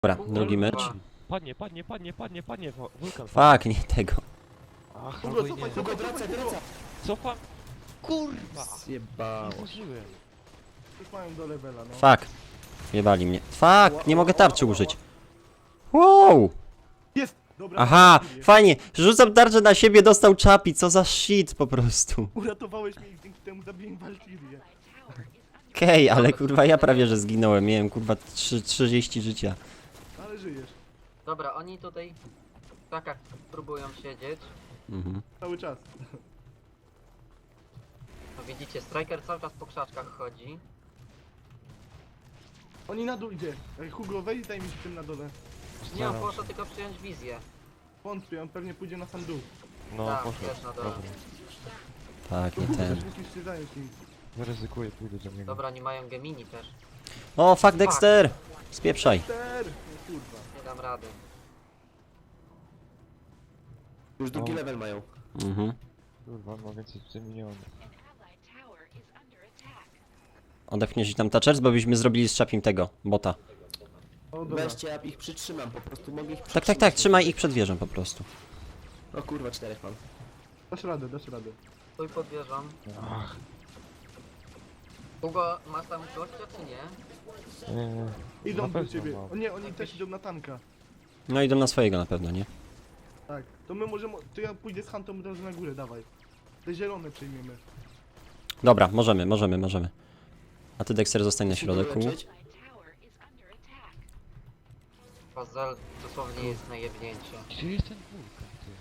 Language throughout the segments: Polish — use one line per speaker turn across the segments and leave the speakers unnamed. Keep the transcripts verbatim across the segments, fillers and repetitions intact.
Dobra, drugi mecz.
Padnie, padnie, padnie, padnie, padnie, wo- wulkan.
Fuck, nie tego.
Ach,
Hugo,
albo i
cofaj,
nie.
Hugo, wracaj, wracaj!
Cofam. Kurwa!
Zjebało.
Nie zużyłem.
Już mają do levela, no.
Fuck. Jebali mnie. Fuck, nie mogę tarczy użyć. Wow!
Jest! Dobra.
Aha,
Valkyrie.
fajnie. Rzucam tarczę na siebie, dostał czapi. Co za shit po prostu.
Uratowałeś mnie i dzięki temu zabiłem Valkyrię.
Okej, okay, ale kurwa ja prawie że zginąłem. Miałem kurwa trzy- trzydzieści życia.
Ale żyjesz.
Dobra, oni tutaj w krakach próbują siedzieć.
Mhm.
Cały czas.
No widzicie, Striker cały czas po krzaczkach chodzi.
Oni na dół idzie. Ej, Hugo, wejdź daj mi się tym na dole.
Nie, on
Staram
poszedł tylko przyjąć wizję.
Wątpię, on pewnie pójdzie na sam dół.
No,
Tak,
poszedł.
też na dole.
Dobra.
Tak,
To
nie
Hugo,
ten.
też musisz się zająć nim.
Zaryzykuję, pójdę do niego.
Dobra, oni mają Gemini też.
O, fuck Dexter! Spieprzaj.
Ter! No kurwa.
Nie dam rady.
Już drugi
O.
level mają.
Mhm.
Kurwa, on ma więcej z milionów.
Odepchniesz tam touchers, bo byśmy zrobili z czapim tego, bota.
O, dobra.
Weźcie, ja ich przytrzymam, po prostu mogę ich
Tak,
przytrzymać.
tak, tak, trzymaj ich przed wieżą po prostu.
O kurwa, czterech mam.
Dasz radę, dasz radę.
Stój pod wieżą.
Ach,
Hugo, masz tam gościa czy nie?
nie, nie.
Idą
Na
do
pewno
ciebie.
mam.
O nie, oni też idą na tanka.
No idą na swojego na pewno, nie?
Tak. To my możemy... To ja pójdę z Huntą od razu na górę, dawaj. Te zielone przejmiemy.
Dobra, możemy, możemy, możemy. A ty Dexter zostań na środku.
Leczyć?
Pazel dosłownie jest na jebnięcie.
Gdzie jest ten wulkan, ty?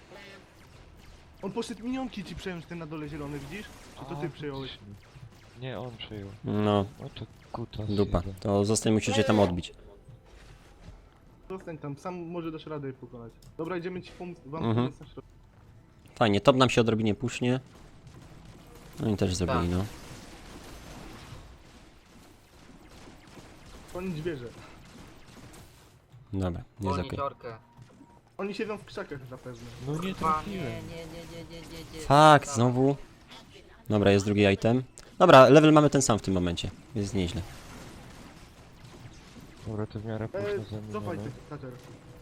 On poszedł minionki ci przejąć ten na dole zielony, widzisz? Czy to
A,
ty przejąłeś?
faktycznie. Nie, on przejął.
No,
O to kuta
dupa.
jeden.
To zostań, musisz się tam odbić.
Zostań tam, sam może dasz radę je pokonać. Dobra, idziemy ci pomóc, wam
Mhm.
pomóc na środku.
Fajnie, top nam się odrobinie pusznie. No i też zrobili, no.
Oni wieżę.
Dobra, jest
Wolni
okej.
dziorkę.
Oni siedzą w krzakach zapewne.
No nie
Dwa, nie,
trafiłem.
nie, nie, nie, nie, nie, nie.
Fuck, znowu. Dobra, jest drugi item. Dobra, level mamy ten sam w tym momencie. Jest nieźle.
Dobra, to w miarę
Eee,
późno
cofaj
zamienione.
ty, Kater.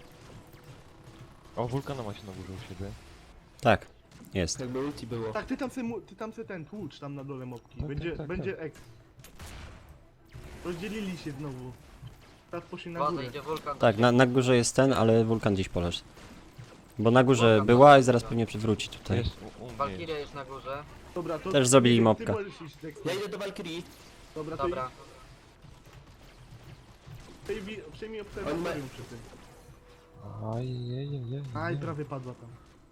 O, wulkana ma się na górze u siebie.
Tak, jest.
Jakby ulti było.
Tak, ty tam se, mu- ty tam se ten tłucz tam na dole mopki.
Tak,
Będzie,
tak, tak,
będzie X. Rozdzielili się znowu. Teraz poszli na
Woda
górę.
idzie wulkan.
Tak, na, na górze jest ten, ale wulkan gdzieś poleż. Bo na górze była i zaraz pewnie przywróci tutaj.
Jest u, u mnie. jest.
Valkyria jest na górze.
Dobra, to
Też zrobili
ty,
mopka.
Ty możesz iść, Dexter.
Ja idę do Valkyrie.
Dobra, to
Dobra.
przejmij, przejmij obserwatorium przy tym.
Ajajajaj.
Aj, prawie padła tam.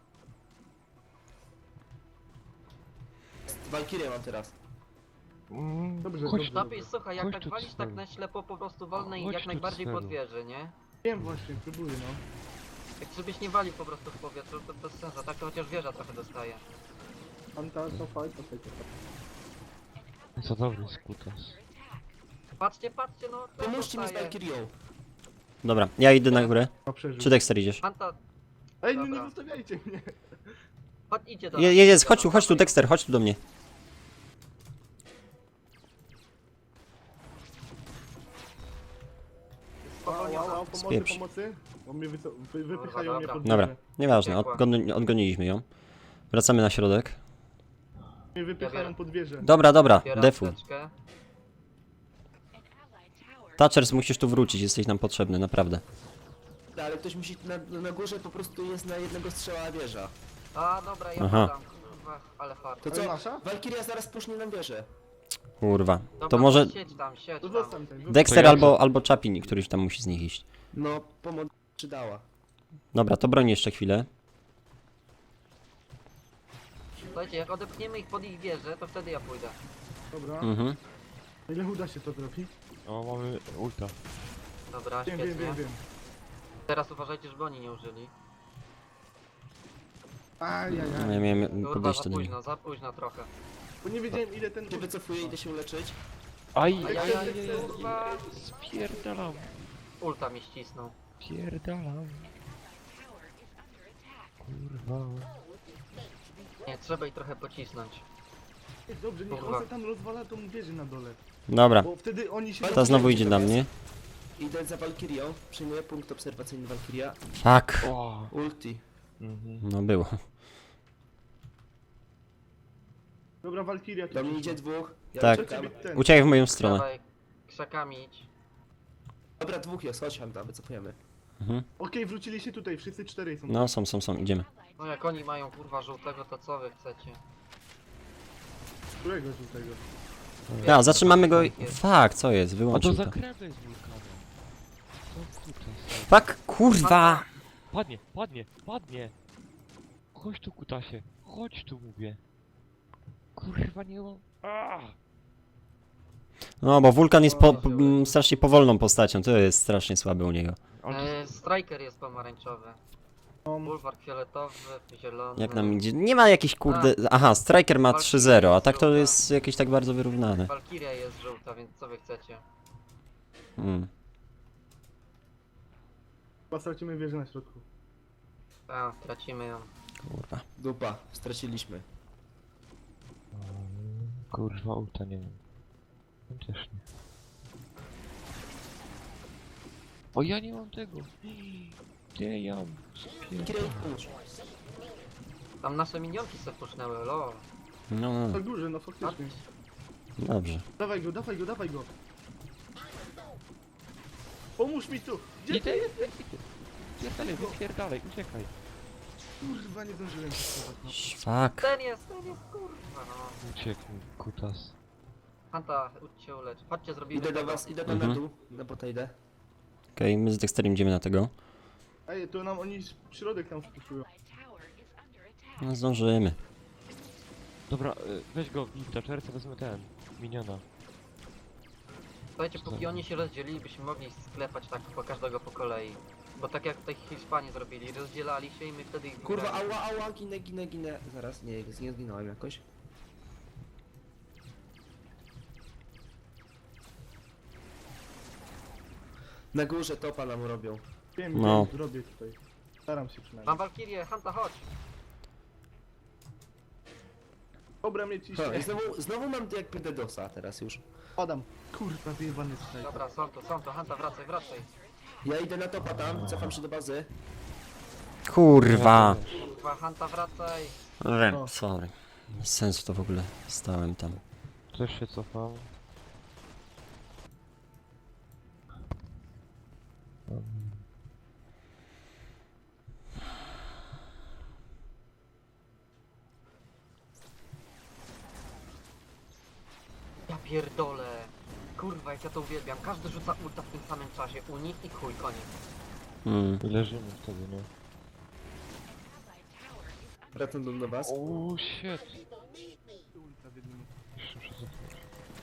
Valkyrie mam teraz.
Mm,
Dobrze,
chodź
dobrze.
tu.
Napis, słuchaj, jak
Chodź
tak
tu,
walisz tak
Celu.
na ślepo, po prostu wolne i
Chodź
jak
tu,
najbardziej
Celu.
pod wieżę, nie?
Wiem właśnie, próbuję no.
Jak żebyś nie walił po prostu w powietrzu, to bez sensu, tak to chociaż wieża trochę dostaje.
Anta, cofaj, cofaj, cofaj.
Co dobry jest kutas.
Patrzcie, patrzcie, no to
Pomóżcie mi z
dostaje.
Valkyrią.
Dobra, ja idę na górę.
A przeżył.
Czy Dexter idziesz?
Anta,
Ej, no nie
Dobra.
zostawiajcie mnie.
chodź, idzie do
Je,
nas.
je, jest, chodź tu, chodź tu Dexter, chodź tu do mnie.
Wow, wow,
Spowolniona.
wow, pomocy,
Spieprz.
pomocy. Bo mnie wyco- wy, wypychają
Dobra,
mnie pod
Dobra,
górę.
nieważne,
Piekła.
odgoni, odgoniliśmy ją. Wracamy na środek.
Mnie wypychają
biorę.
pod wieżę.
Dobra, dobra,
Zbieram
defu.
teczkę.
Thatchers, musisz tu wrócić, jesteś nam potrzebny, naprawdę.
Ale ktoś musi na, na górze po prostu jest na jednego strzała wieża.
A, dobra, ja
Aha.
podam. Kurwa, ale fart.
To
Ale
co?
nasza?
Valkyria zaraz pusznie nam wieżę.
Kurwa.
Dobra,
To może
siedź tam, siedź
To
tam.
zostań ten.
Dexter
To ja
albo, albo Chapin, któryś tam musi z nich iść.
No, pomoc przydała.
Dobra, to broń jeszcze chwilę.
Słuchajcie, jak odepchniemy ich pod ich wieżę, to wtedy ja pójdę.
Dobra.
Mhm.
Ile uda się to zrobić?
O, mamy ulta.
Dobra,
Wiem,
świetnie.
wiem, wiem, wiem.
Teraz uważajcie, żeby oni nie użyli.
Ajajaj.
No, ja miałem
Kurwa,
podejść
za
do nich.
późno, za późno trochę.
Bo nie wiedziałem ile ten...
Się wycofuję, idę się uleczyć.
Aj,
Aj,
aj,
aj,
aj,
aj,
aj,
kurwa.
aj, spierdalam.
Ulta mi ścisnął.
Pierdalam. Kurwa.
Nie, trzeba ich trochę pocisnąć.
Ej, Dobrze, niech
Kurwa.
on se tam rozwala tą wieżę na dole.
Dobra,
Bo wtedy oni się...
ta znowu idzie na mnie.
Idę za Valkyrią, przyjmuję punkt obserwacyjny Valkyria.
Fuck.
O.
Ulti.
Mhm.
No było.
Dobra, Valkyria tu
Do mnie
przyszła.
idzie dwóch. Ja
Tak.
uciekam.
Ciebie ten.
Uciekaj w moją stronę.
Dawaj, krzakami idź.
Dobra, dwóch jest, chodź Hanta, wycofujemy.
Mhm.
Okej, wrócili się tutaj, wszyscy cztery są.
No, są, są, są, idziemy.
No jak oni mają kurwa żółtego, to co wy chcecie?
Którego żółtego?
Ja, zatrzymamy go i...
Jest.
Fuck, co jest?
A to
Wyłączył to.
zakręty z wulkanem. Co kutas?
Fuck, kurwa!
Padnie, padnie, padnie! Chodź tu kutasie, chodź tu mówię. Kurwa nie mam... Aaa!
No, bo wulkan jest po, po, m, strasznie powolną postacią, to jest strasznie słabe u niego.
Ale
E, striker jest pomarańczowy.
No,
Bulwark fioletowy, zielony.
Jak nam idzie? Nie ma jakichś kurde... Aha, Striker ma trzy zero, a tak to jest jakieś tak bardzo wyrównane.
Valkyria jest żółta, więc co wy chcecie?
Hmm.
chyba stracimy wieżę na środku.
A, tracimy ją.
Kurwa.
Dupa, straciliśmy.
kurwa ulta nie wiem. Też nie. O ja nie mam tego. Gdzie ja mam?
Valkyria, pomóż.
Tam nasze minionki se pusznęły, lol.
No, no,
Na
no.
górze, no faktycznie.
Dobrze.
Dawaj go, dawaj go, dawaj go. Pomóż mi tu! Gdzie
Idę,
ty?
idę, idę. Wypierdalaj, wypierdalaj, uciekaj.
Kurwa, nie zdążyłem się schować, no.
Fuck.
Ten jest, ten jest kurwa no.
Ucieknij, kutas.
Hanta, idź się ulecz. Chodźcie, zrobimy
Idę do
tego.
was, idę tam
Mhm.
na dół. Na bota idę.
Okej, my z Dexterem idziemy na tego.
Ej, to nam oni środek tam spuszują.
No, zdążymy.
Dobra, y, weź go w Taczerce, wezmę ten. Miniona.
Słuchajcie, póki oni się rozdzielili, byśmy mogli sklepać tak po każdego po kolei. Bo tak jak tutaj Hiszpanie zrobili, rozdzielali się i my wtedy ich
Kurwa,
wygrali.
ała, ała, ginę, ginę, ginę. Zaraz, nie, nie zginąłem jakoś. Na górze topa nam robią.
Wiem,
No.
wiem, zrobię tutaj. Staram się przynajmniej.
Mam Valkyrię, Hanta, chodź!
Dobra, mnie
Ha,
ciśnie.
i znowu, znowu mam tu jakby Dedosa teraz już.
Padam. Kurwa, wyjebany tutaj.
Dobra, są tu, są tu, Hanta, wracaj, wracaj.
Ja idę na topa tam, cofam się do bazy.
Kurwa.
Kurwa, Hanta, wracaj.
Wiem, sorry. Bez sensu to w ogóle. Stałem tam.
Też się cofam.
Ja pierdolę. Kurwa, jak ja to uwielbiam. Każdy rzuca ulta w tym samym czasie. U nich i chuj, koniec.
Mm.
I leżymy wtedy, nie?
Wracam do, do was.
O shit.
Ulta w jednym.
Jeszcze muszę cofnąć.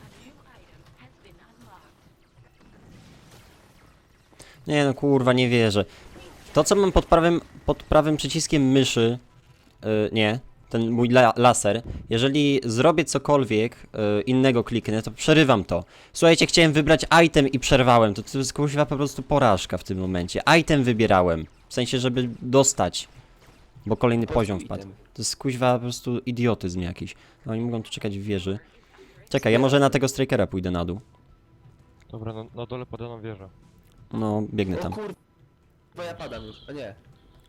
Nie no, kurwa, nie wierzę. To, co mam pod prawym, pod prawym przyciskiem myszy... Yy, nie. Ten mój la laser. Jeżeli zrobię cokolwiek yy, innego kliknę, to przerywam to. Słuchajcie, chciałem wybrać item i przerwałem. To, to jest kurwa po prostu porażka w tym momencie. Item wybierałem. W sensie, żeby dostać. Bo kolejny
Po prostu
poziom wpadł.
item.
To jest kuźwa po prostu idiotyzm jakiś. No oni mogą tu czekać w wieży. Czekaj, ja może na tego strikera pójdę na dół.
Dobra, na, na dole pada nam wieża.
No, biegnę
O
tam.
kurwa, ja padam już, a nie.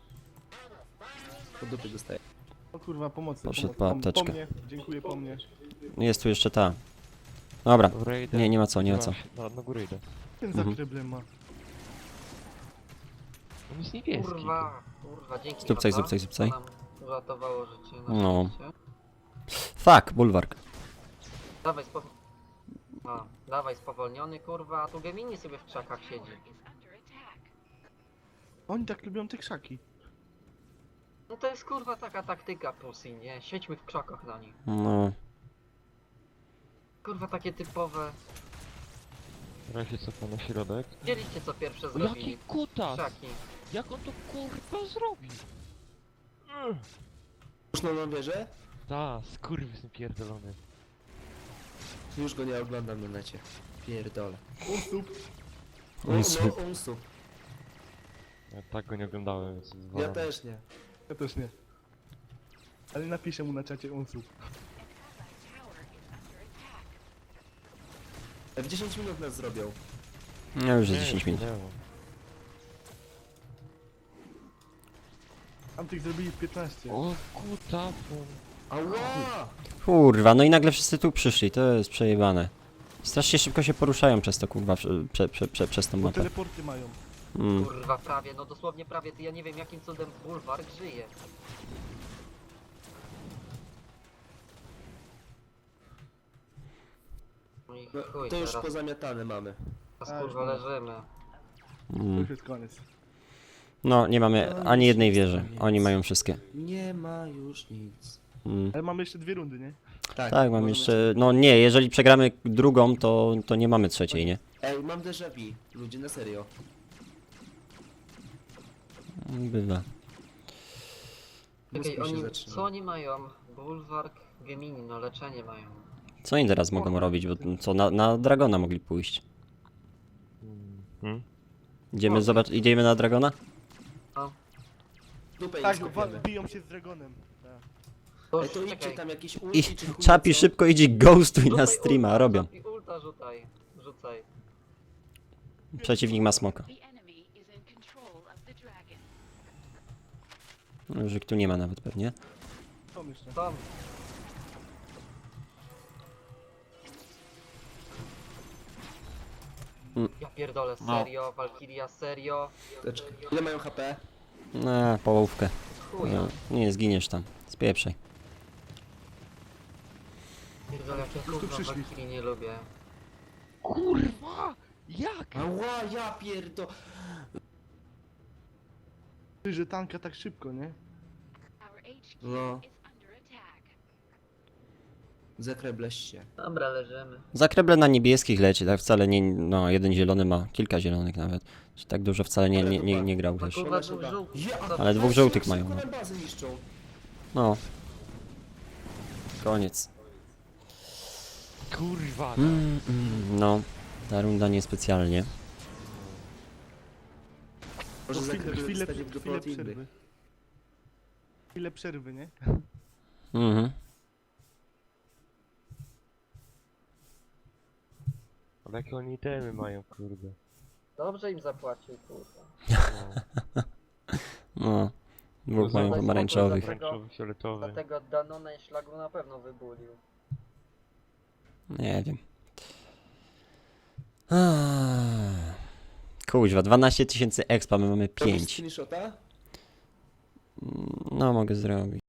Po dupy dostaję.
O kurwa, pomocy.
Poszedł
pomocy.
po apteczkę.
Po mnie, dziękuję, po mnie.
Jest tu jeszcze ta. Dobra.
Dobra, idę.
Nie, nie ma co, nie ma co.
Na, na górę idę.
Ten
Mhm.
za kreblem ma.
On jest niebieski.
Kurwa, kurwa, dzięki.
Zupcaj,
Hanta.
zupcaj, zupcaj.
To nam uratowało życie na
No.
szczęście.
Fuck, bulwark.
Dawaj, spo... no, dawaj spowolniony, kurwa, a tu Gemini sobie w krzakach siedzi.
Oni tak lubią te krzaki.
No to jest kurwa taka taktyka Pussy, nie? Siedźmy w krzakach na nich.
No.
Kurwa, takie typowe.
Teraz się cofam na środek.
Widzieliście co pierwsze
O,
zrobili?
jaki kutas!
Krzaki.
Jak on to kurwa zrobi? Ugh.
Już na mam wieżę?
Ta, skurwysyn pierdolony.
Już go nie oglądam na necie. Pierdolę.
Usup.
No,
Unsup.
no, unsup.
Ja tak go nie oglądałem, więc...
Ja
zwalam.
też nie.
Ja też nie. Ale napiszę mu na czacie usup.
W dziesięć minut nas zrobią.
No już jest
Nie,
dziesięć minut.
minęło.
Tamtych zrobili piętnaście.
O kutafon.
Ała!
Kurwa, no i nagle wszyscy tu przyszli, to jest przejebane. Strasznie szybko się poruszają przez to, kurwa, prze, prze, prze, prze, przez tą
Bo
mapę.
teleporty mają.
Mm.
Kurwa, prawie, no dosłownie prawie, ty ja nie wiem jakim cudem bulwark żyje. No i
No,
chuj,
to już
teraz,
pozamiatane mamy.
teraz kurwa leżymy.
To
Mm.
już jest koniec.
No, nie mamy ani jednej wieży. Oni mają wszystkie.
Nie ma już nic.
Mm.
Ale mamy jeszcze dwie rundy, nie?
Tak, mam
możemy
jeszcze... No nie, jeżeli przegramy drugą, to, to nie mamy trzeciej, nie?
Ej, mam déjà vu. Ludzie, na serio.
Bywa.
Czekaj,
Mózg mi się
oni,
zaczyna.
co oni mają? Bulwark, Gemini, no leczenie mają.
Co oni teraz mogą robić? Bo co, na, na Dragona mogli pójść.
Hmm?
Idziemy, zobacz, idziemy na Dragona?
Dupę
Tak,
im
wa-
skopiemy.
biją się z Dragonem. Tak.
To
Ej, to idźcie
czekaj.
tam jakieś
I
ulti czy chuj
Czapi
co?
szybko idzie ghostuj na
Rzucaj
streama,
ulta,
robią.
Czapi, ulta rzucaj, rzucaj.
Przeciwnik ma smoka.
The enemy is in control of the dragon.
Że tu nie ma nawet pewnie.
Są jeszcze.
Tam. Ja pierdolę, serio, Valkyria, serio.
Teczka. Ile mają H P?
Na połówkę.
Chuja.
No, nie, zginiesz tam. Spieprzaj.
Pierdolę, jak ja
tu
kurwa
przyszli.
Valkyrii nie lubię.
Kurwa! Jak?
Ała, ja pierdo...
Ty, że tanka tak szybko, nie?
Our H Q
No.
is under attack.
Zakrebleś się.
Dobra, leżymy.
Zakreble na niebieskich leci, tak wcale nie, no jeden zielony ma, kilka zielonych nawet. Czy tak dużo wcale nie, nie, nie, nie grał
A
też.
kurwa
Ona
dwóch
szuka.
żółtych.
Ja,
co-
Ale dwóch żółtych mają,
Szybko
no.
nam bazę niszczą.
No. Koniec.
Kurwa! no.
Mm, mm, no, ta runda niespecjalnie.
Może
To chwilę,
zakrebel
chwilę,
dostanie w dupę
chwilę
od innych.
przerwy. Chwilę przerwy, nie?
Mhm.
Ale jakie oni itemy mają, kurde.
Dobrze im zapłacił, kurwa.
No. Dwóch
No,
mają
zobacz,
pomarańczowych.
Pomarańczowy, fioletowy.
Dlatego Danone i szlagu na pewno wybulił.
Nie wiem. Ah. Kuźwa, dwanaście tysięcy expa, my mamy
Robisz
pięć.
screenshota?
No, mogę zrobić.